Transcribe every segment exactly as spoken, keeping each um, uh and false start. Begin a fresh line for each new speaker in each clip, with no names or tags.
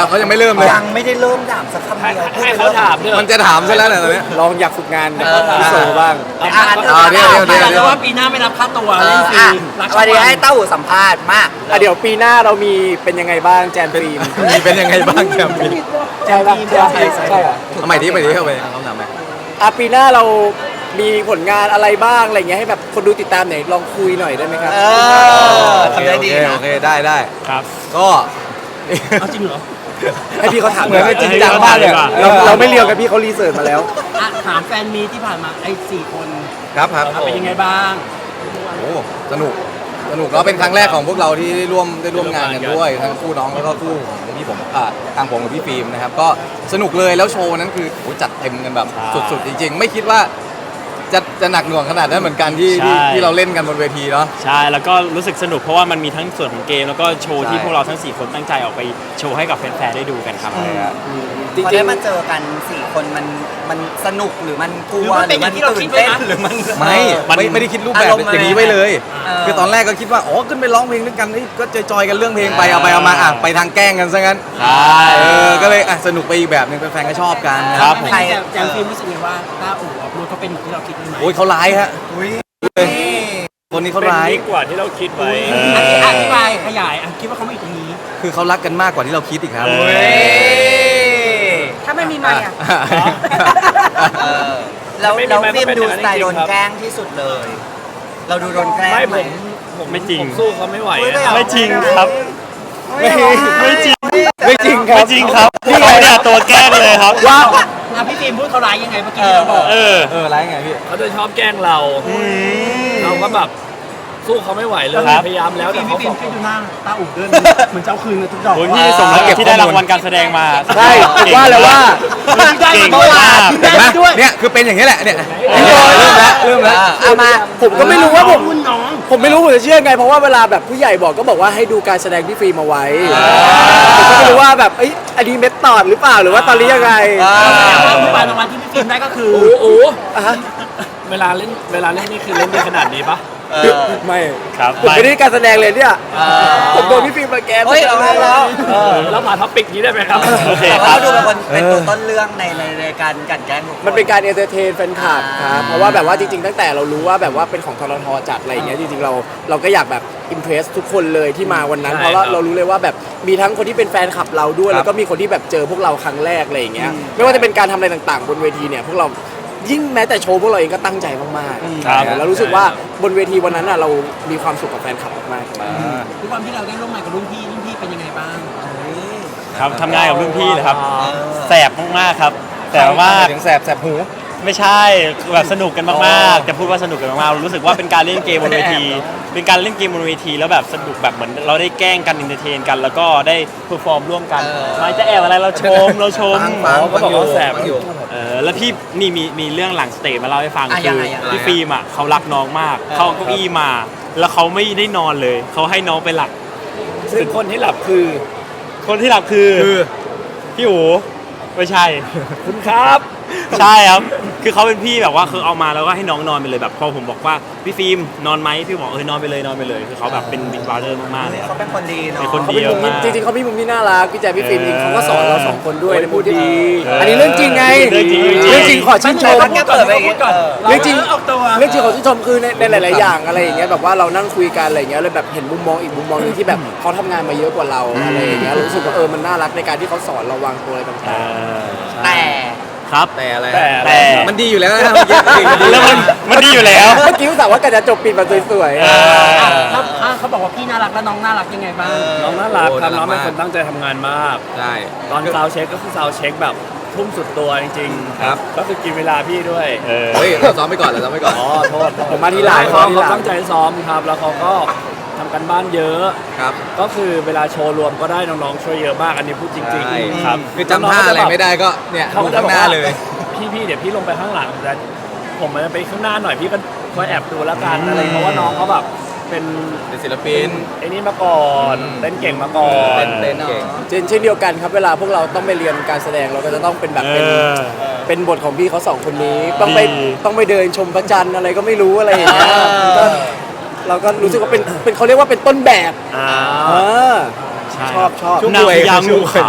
แล้วเขายังไม่เริ่มเลย
ยังไม่ได้เริ่มถามสักคำเดียว
ให้เขาถามด้วย
มันจะถามซะแล้วเนี่ยตอนนี้
ลองอยากฝึกงานพี่โซบ้าง
อ่านเถอะ
เดี๋ยวเดี๋ยวเดี๋ยว
แต่ว่าปีหน้าไม่รับค่าตัวเล่นฟรีรัก
วันนี้ให้เต้าหูสัมภาษณ์มาก
อ่ะเดี๋ยวปีหน้าเรามีเป็นยังไงบ้างแจนฟิล์ม
มีเป็นยังไงบ้างครับพี่
ใช่ป่ะใช่ใช่เหรอ
ทำไมที่ไปที่เข้าไปเขาถามไหม
อ่ะปีหน้าเรามีผลงานอะไรบ้างอะไรเงี้ยให้แบบคนดูติดตามหน่อยลองคุยหน่อยได้ไหมครับ
เออทำได้ดี
โอเค
นะ
โอเคได้ได้
ครับ
ก็
เอาจริงเหรอ
ให้พี่เขาถาม
เหมือนไม่จริงจังมากเลยอะ
เราเราไม่เรียวกับพี่เขารีเสิร์ชมาแล้ว
อ่ะถามแฟนมีที่ผ่านมาไอ้สี่คน
ครับครับ
เป็นยังไงบ้าง
โอ้สนุกสนุกแล้วเป็นครั้งแรกของพวกเราที่ได้ร่วมได้ร่วมงานกันด้วยทั้งคู่น้องแล้วก็คู่ของพี่ผมอ่าทางผมกับพี่ฟิล์มนะครับก็สนุกเลยแล้วโชว์นั้นคือโอ้จัดเต็มกันแบบสุดๆจริงๆไม่คิดว่าจะจะหนักหน่วงขนาดนั้นเหมือนกันที่ที่ที่เราเล่นกันบนเวทีเนาะ
ใช่แล้วก็รู้สึกสนุกเพราะว่ามันมีทั้งส่วนของเกมแล้วก็โชว์ที่พวกเราทั้งสี่คนตั้งใจออกไปโชว์ให้กับแฟนๆได้ดูกันครับ
จริง
พอ
ๆ
ได้มาเจอกันสี่คนมันมันสนุกหรือมันกลัวหรือมันตื่นเต้นหรือมัน
ไม่ไม่ไม่ได้คิดรูปแบบ
อารมณ์
อย่างนี้ไว้เลย
เออ
คือตอนแรกก็คิดว่าอ๋อขึ้นไปร้องเพลงด้วยกันเฮ้ยก็จอยๆกันเรื่องเพลงไปเอาไปเอามาอ่ะไปทางแกล้งกันซะงั้น
ใช่
เออก็เลยอ่ะสนุกไปอีกแบบหนึงแฟนๆก็ชอบกันนะครับ
ใครแจมฟิล์มรู้สึกไงว่าต้าอู๋กับนูเขาเป็นอย่างที่เราคิดไหม
โอ้ยเขาร้ายฮะคนนี้เขา
เป็น
ร้าย
ยิ่งกว่าที่เราคิดไว้
อธิอธิบายขยายอ่ะคิดว่าเขาไม่อยู่ตรงนี้
คือเขารักกันมากกว่าที่เราคิดอีกครับ
เออ
ถ้าไม่มีไม้อ่ะ
เออแล้วแล้วฟิล์มดูสไตล์โดนแกล้งที่สุดเลย เราดูโดนแกล้ง
ไม่
ไห
ผม มผมไม่จริง
สู้เขาไม่ไหว
ไม่จริงครับ
ไม่ไม่จริงไม่จริงครับ
ไม่จริงครับพี่เขาเนี่ยตัวแกล้งเลยครับว่า
อ่ะพี่ฟิล์มพูดเขาร้ายยังไงเมื่อกี้ที่เราบอก
เออ
เออร้ายไงพี่
เขาจะชอบแกล้งเรา เราก็แบบสู้เขาไม่ไหวเลย
ครับ
พยายามแล้วแต่เขาบอกพี่ดูหน้าตาอุ๋เดินเหมือนเจ้าคืนทุกดอก
โอ้ยพี่สมแล้วที่ได้รางวัลการแสดงมา
ใช่ว่าแล้วว่า
เก่งมาก
เห็นไหมเนี่ยคือเป็นอย่างนี้แหละเนี่ยเริ่มแล้วเริ่มแล้ว
เอามาผมก็ไม่รู้ว่าผม
รุ่นน้อง
ผมไม่รู้ผมจะเชื่อไงเพราะว่าเวลาแบบผู้ใหญ่บอกก็บอกว่าให้ดูการแสดงพี่ฟิล์มเอาไว้ผมก็ไม่รู้ว่าแบบเอ้ยอันนี้เม็ดตอดหรือเปล่าหรือว่าตอนนี้ยังไง
เมื่อวานรางวัลที่พี่ฟิล์มได้ก็คือ
โอ้
อ่ะฮะ
เวลาเล่นเวลาเล่นนี่คือเล่นได้ขนาดนี้ปะ
ไม่
ครับ
ผมไม่ได้การแสดงเลยเนี่ยผมโดนพี่ฟิล์มมาแกน
เฮ้ยเอาแล้ว
แล้วมาท็อปิกนี้ได้ไหมครับ
โอเค
แต่
ครั
ว่า
บ
ดูเป็นคนเป็นตัวต้นเรื่องในในในการกลั่นแกล้งทุกคน
มันเป็นการเอนเตอร์เทนแฟนคลับครับเพราะว่าแบบว่าจริงๆตั้งแต่เรารู้ว่าแบบว่าเป็นของทรทจัดอะไรอย่างเงี้ยจริงๆเราเราก็อยากแบบอิมเพรสทุกคนเลยที่มาวันนั้น
ใช่
เพราะว่า
ครับ
เรารู้เลยว่าแบบมีทั้งคนที่เป็นแฟนคลับเราด้วย แล้วก็มีคนที่แบบเจอพวกเราครั้งแรกอะไรอย่างเงี้ยไม่ว่าจะเป็นการทำอะไรต่างๆ บนเวทีเนี่ยพวกเรายิ่งแม้แต่โชว์พวกเราเองก็ตั้งใจมากๆ
ครับ
แล้วรู้สึกว่าบนเวทีวันนั้นอ่ะเรามีความสุขกับแฟนคลับมากๆ
ทุกวันที่เราได้ร่วมงานกับรุ่นพี่รุ่นพี่เป็นยังไงบ้าง
ครับทำงานกับรุ่นพี่เลยครับแสบมากๆครับแต่ว่า
ถึงแสบแสบหู
ไม่ใช่แบบสนุกกันมากๆจะพูดว่าสนุกกันมากๆรู้สึกว่าเป็นการเล่นเกมบนเวที เป็นการเล่นเกมบนเวทีแล้วแบบสนุกแบบเหมือนเราได้แกล้งกันอินเตอร์เทนกัน แล้วก็ได้เพอร์ฟอร์มร่วมกันไม่จะแอบอะไรเราชมเราชม
ฟังฟัง
ก็บอกว่าแสบ
ฟังอยู่
เออแล้วพี่นี่มีมีเรื่องหลังสเตจมาเล่าให้ฟัง
อ่ะ
คื
ยัง
อ
ไงยังไง
พี่ฟิล์มอ่ะเขารักน้องมากเขาเอาเก้าอี้มา แล้วเขาไม่ได้นอนเลยเขาให้น้องไปหลับ
ซึ่งคนที่หลับคือ
คนที่หลับคือพี่อู๋ไม่ใช่
คุณครับ
ใช่ครับ คือเขาเป็นพี่แบบว่าคือเอามาแล้วก็ให้น้องนอนไปเลยแบบพอผมบอกว่าพี่ฟิล์มนอนไหมพี่บอกเออนอนไปเลยนอนไปเลยคือเขาแบบเป็นบิ๊กบราเดอร์มากๆเลยครับ
เขาเป็นคนดีเนาะ
เป็นคน
เขาเป็นมุมที่จริงๆเขามีมุมที่น่ารักพี่แจ๊คพี่ฟิล์มจริงๆเขาก็สอนเราสองคนด้วยในมุมที่ดีอันนี้เรื่องจริงไง
เรื่องจริง
เรื่องจริงขอชื่นชม
แค่เปิดไปอย่างงี้ก่อน
เรื่องจริง
ออกตัว
เรื่องจริงขอชื่นชมคือในในหลายๆอย่างอะไรอย่างเงี้ยแบบว่าเรานั่งคุยกันอะไรอย่างเงี้ยเลยแบบเห็นมุมมองอีกมุมมองหนึงที่แบบเขาทำงานมาเยอะกว่าเราอะไรอย่างเงี้ยรู้สึกว่าเออมันน่ารักในการที่เขาสอนเราวางตัวอะไรต่าง
แต่
ครับ
แต่อะไร
แต่แต่
มันดีอยู่แล้วนะเมื่อกี้มันดี
แล้วมันมันดีอยู่แล้ว
ๆเมื่อกี้รู้สึกว่ากันจะจบปิดมาสวย
เออ
ถ้าถ้าเขาบอกว่าพี่น่ารักแล้วน้องน่ารักยังไงบ้าง
น้องน่ารักครับน้องเป็นคนตั้งใจทำงานมาก
ใช่
ตอนซาวด์เช็คก็คือซาวด์เช็คแบบทุ่มสุดตัวจริงๆ
ครับ
ก็คือกินเวลาพี่ด้วย
เออ
เฮ้ยเราซ้อมไปก่อนเราซ้อมไปก่อน
อ๋อโทษ
ๆผมมาทีหลัง
เขา
มาที
เขา
หลัง
ตั้งใจซ้อมครับ แล้วเขาก็ทำกันบ้านเยอะ
ครับ
ก็คือเวลาโชว์รวมก็ได้น้องๆช่วยเยอะมากอันนี้พูดจริง
ใช่
ๆครับ
คือจำท่าอะไรไม่ได้ก็เนี่ย
เขา
ดู
ก็จะ
ข้าง
บอ
ห
ก
น้า
ว่า
เลย
พี่พี่เดี๋ยวพี่ลงไปข้างหลังแต่ผมมันจะไปข้างหน้าหน่อยพี่ก็คอยแอบดูแล้วกันอะไรเพราะว่าน้องเขาแบบเป็น
เป็นศิลปิน
ไอ้นี่มาก่อน
อืม
เต้นเก่งมาก่อน
เต้นเต้นเก่ง
เช่นเช่นเดียวกันครับเวลาพวกเราต้องไปเรียนการแสดงเราก็จะต้องเป็นแบบ
เอ
เป็น
อ
เป็นบทของพี่เขาสองคนนี้ต้องไป
ดี
ต้องไปเดินชมพระจันทร์อะไรก็ไม่รู้อะไรอย่างเงี้ยก็เราก็รู้สึกว่าเป็นเป็นเขาเรียกว่าเป็นต้นแบบ
อ่า
เออ
ใช่
ชอบชอบ
ช่วง
นาง
รวย
พญา
ช่
งู
วงรวย
ขาว
จริง
อ่ะ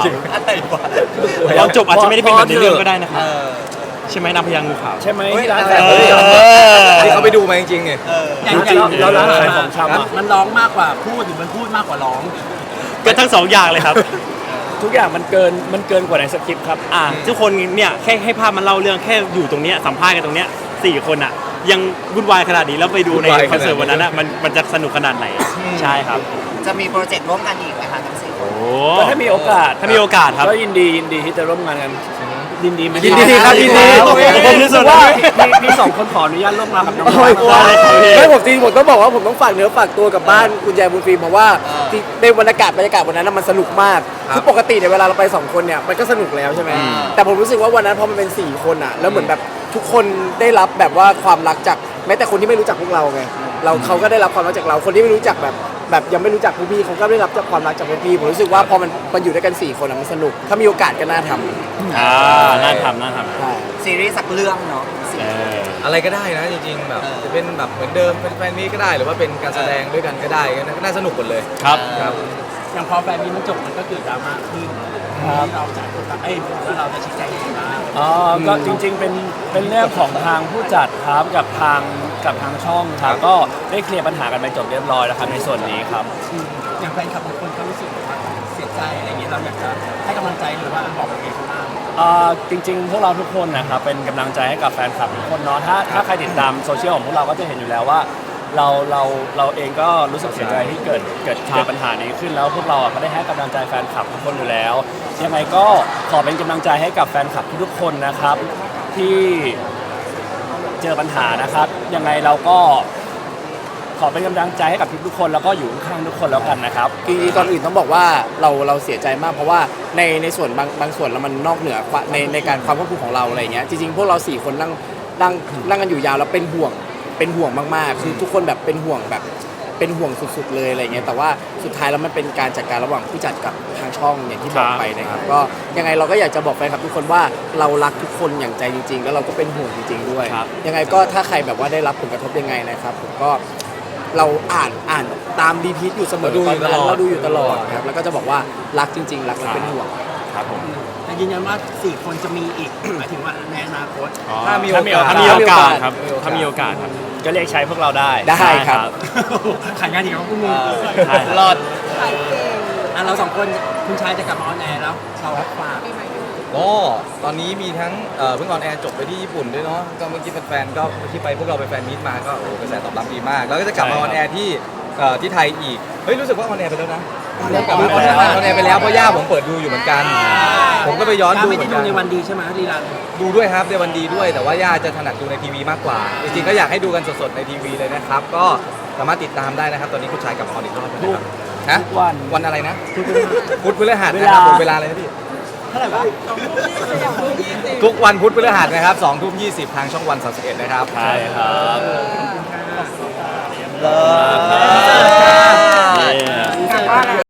ตอนจบอาจจะไม่ได้เป็นแบบในเรื่องก็ได้นะครับ
เออ
ใช่ไหมนางพญางูขาว
ใช่ไหม
เฮ้ย
ที่ร้าน
อะ
แฟ
ไร
น
เอ
ผม
อ
ที่เขาไปดูมาจริงๆเนี่ย
เออ
อย่างอย่าง
แล้วร้านขายของชำอะ
มันร้องมากกว่าพูดหรือมันพูดมากกว่าร้อง
ก็ทั้งสองอย่างเลยครับ
ทุกอย่างมันเกินมันเกินกว่าในสคริปต์ครับ
อ่าทุกคนเนี่ยแค่ให้ภาพมันเล่าเรื่องแค่อยู่ตรงเนี้ยสัมภาษณ์กันตรงเนี้ยสี่คนอ่ะยังวุ่นวายขนาดนี้แล้วไปดูใน
วุ่นวาย
คอนเสิร์ต
ขนาดนี้
วันนั้นอ่ะมันมันจะสนุกขนาดไหนใช่ครับ
จะมีโปรเจกต์ร่วมกันอีกไหมคะทั้งสี่คน
โอ้
ก็ถ้ามีโอกาส
ถ้ามีโอกาสครับ
ก็ยินดียินดีที่จะร่วมงานกันยินดีไหม
ยินดีครับยินดี
ผมรู้สึกว่าพี่พี่สองคนขออนุญาตร่วมงานกับน้อง
โอ้ย
ๆ
ได้เลยครับพี่
ไม่ผมจริงผมต้องบอกว่าผมต้องฝากเนื้อฝากตัวกับบ้านคุณยายบุญฟิล์มเพราะว่าที่ในบรรยากาศบรรยากาศวันนั้นนะมันสนุกมากคือปกติเนี่ยเวลาเราไปสองคนเนี่ยมันก็สนุกแล้วใช่ไหมแต่ผมรู้สึกว่าวันนั้นพอมันเป็นสี่คนอ่ะแล้วเหมือนแบบทุกคนได้รับแบบว่าความรักจากแม้แต่คนที่ไม่รู้จักพวกเราไงเราเขาก็ได้รับความรักจากเราคนที่ไม่รู้จักแบบแบบยังไม่รู้จักพวกพี่เขาก็ได้รับจากความรักจากพวกพี่ผมรู้สึกว่าพอมันมันอยู่ด้วยกันสี่คนอะมันสนุกถ้ามีโอกาสก็น่าทำ
อ่าน่าทำน่าทำ
ใช่
ซีรีส์สักเรื่องเนาะ
เออ
อะไรก็ได้นะจริงๆแบบ
เออ
จะเป็นแบบเหมือนเดิมเป็นแฟนนี้ก็ได้หรือว่าเป็นการแสดงด้วยกันก็ได้ก็น่าสนุกหมดเลย
ครับ
ครับ
อย่างพอแฟนมีมันจบมันก็เกิดดราม่าขึ้นที่เราจะเอ้ยแล้วเราจะชี้แจงยังไงบ้าง
อ๋อก็จริงๆเป็นเป็นเรื่องของทางผู้จัดครับกับทางกับทางช่องครับก็ได้เคลียร์ปัญหากันไปจบเรียบร้อยแล้วครับในส่วนนี้ครับ
อย่างแฟนคลับบางคนเขารู้สึกว่าเสียใจอะไรอย่างเงี้ยเราอยากจะให้กำลังใจหรือว่าบอกยังไงเขาบ้าง
อ่าจริงๆ พวกเราทุกคนนะครับเป็นกำลังใจให้กับแฟนคลับทุกคนเนาะถ้าถ้าใครติดตามโซเชียลของพวกเราก็จะเห็นอยู่แล้วว่า เราเราเราเองก็รู้สึกเสียใจที่เกิดเกิดเกิดปัญหานี้ขึ้นแล้วพวกเราอ่ะก็ได้ให้กำลังใจแฟนคลับทุกคนอยู่แล้วยังไงก็ขอเป็นกำลังใจให้กับแฟนคลับทุกๆคนนะครับที่เจอปัญหานะครับยังไงเราก็ขอเป็นกำลังใจให้กับทุกๆคนแล้วก็อยู่ข้างๆทุกคนแล้วกันนะครับ
จริงๆก่อนอื่นต้องบอกว่าเราเราเสียใจมากเพราะว่าในในส่วนบางบางส่วนแล้วมันนอกเหนือความในในการความควบคุมของเราอะไรอย่างเงี้ยจริงๆพวกเราสี่คนนั่งนั่งนั่งกันอยู่ยาวแล้วเป็นห่วงเป็นห่วงมากๆคือทุกคนแบบเป็นห่วงแบบเป็นห่วงสุดๆเลยอะไรเงี้ยแต่ว่าสุดท้ายแล้วมันเป็นการจัดการระหว่างผู้จัดกับทางช่องอย่างที่บอกไปนะครับก็ยังไงเราก็อยากจะบอกแฟนคลับทุกคนว่าเรารักทุกคนอย่างใจจริง ๆ แล้วเราก็เป็นห่วงจริง ๆ ด้วย
ครับ
ยังไงก็ถ้าใครแบบว่าได้รับผลกระทบยังไงนะครับผมก็เราอ่านอ่านตามรีพีทอยู่เสมอ
เราดูอยู่
ตอนนั้น
ตลอด
เราดูอยู่ตลอดครับแล้วก็จะบอกว่ารักจริง ๆ รักและเป็นห่วง
ครับผม
แต่ยืนยันว่าสี่คนจะมีอีก หมายถึงว่าในอนาคต
อ๋อ
ถ้ามี
ถ้ามี
โอกาส
ถ้ามีโอกาสครับ
มีโอกาส
ถ้ามีโอกาสครับ
ก็เรียกใช้พวกเราได้
ได้ครับ
ขายงานอีกแล้วพวกมึง
ใช่
รอด
อ่ะเราสองคนคุณชายจะกลับมาออนแอร์แล้วเราฝาก
ก็ตอนนี้มีทั้งเอ่อเพิ่งออนแอร์จบไปที่ญี่ปุ่นด้วยเนาะก็เมื่อกี้แฟนๆก็ที่ไปพวกเราไปแฟนมีตมาก็โอ้โหกระแสตอบรับดีมาก แล้วก็จะกลับมาออนแอร์ที่เอ่อที่ไทยอีกเฮ้ยรู้สึกว่าออนแอร์ไปแล้วนะเริ่มกลับมาออนแอร์ออนแอร์ไปแล้วเพราะย่าผมเปิดดูอยู่เหมือนกัน ผมก็ไปย้อนดู
ไม่
เหมื
ได้
อนกัน
ดูในวันดีใช่ไหมรีรัน
ดูด้วยครับในวันดีด้วยแต่ว่าย่าจะถนัดดูในทีวีมากกว่า จริงๆก็อยากให้ดูกันสดๆในทีวีเลยนะครับ ก็สามารถติดตามได้นะครับ ตอนนี้คุณชายกลับมาออนอีกรอบนะครับฮะ
ทุกวัน
วันอะไรนะพุธพฤหัสนะครับผมเวลาอะไรนะพี่
เท่าไหร่วะ
ทุกวันพุธพฤหัสนะครับสองทุ่มยี่สิบทางช่องวันสามสิบเอ็ดนะครับ
ใช่ครับ
เลิศ
เย้